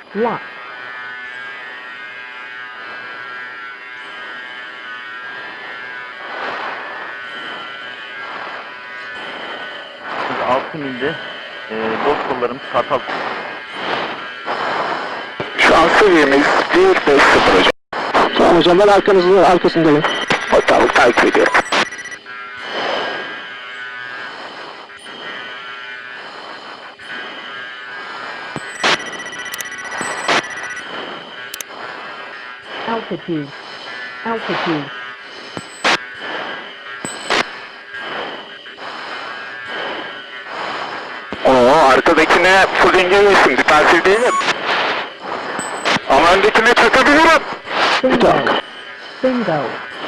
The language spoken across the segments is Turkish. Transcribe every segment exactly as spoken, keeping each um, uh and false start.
Lock. altı milde e, dost kollarımız Kartal. Şu an seviyemiz bir beş sıfır hocam. Tamam hocam, ben arkanızda, arkasındayım. Tamam, takip ediyorum. Altitude. Altitude. Oo, arkadakine full engellesin, defansif değilim. Ama öndekine çakabilirim. Bingo. Bingo.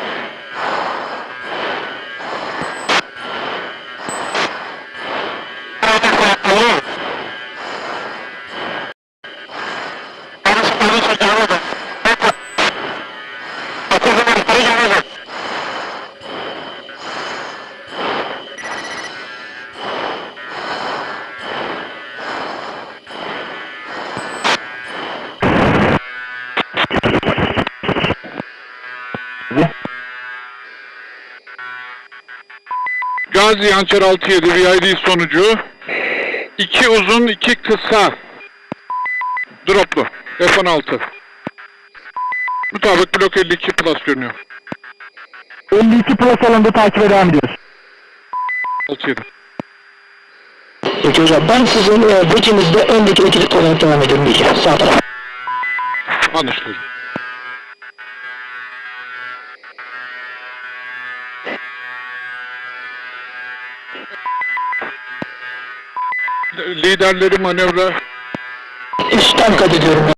Gazi Hançer altı yedi V I D sonucu. iki uzun, iki kısa. Droplu. F on altı. Mutabık blok elli iki plus görünüyor. elli iki plus alanda takibe devam ediyoruz. altı yedi. Peki hocam, ben sizin e, bekinizde öndeki ekip olarak devam ediyorum diyeceğim. Sağ taraf. Anlaşıldı. Liderleri manevra Üstten kat ediyorum.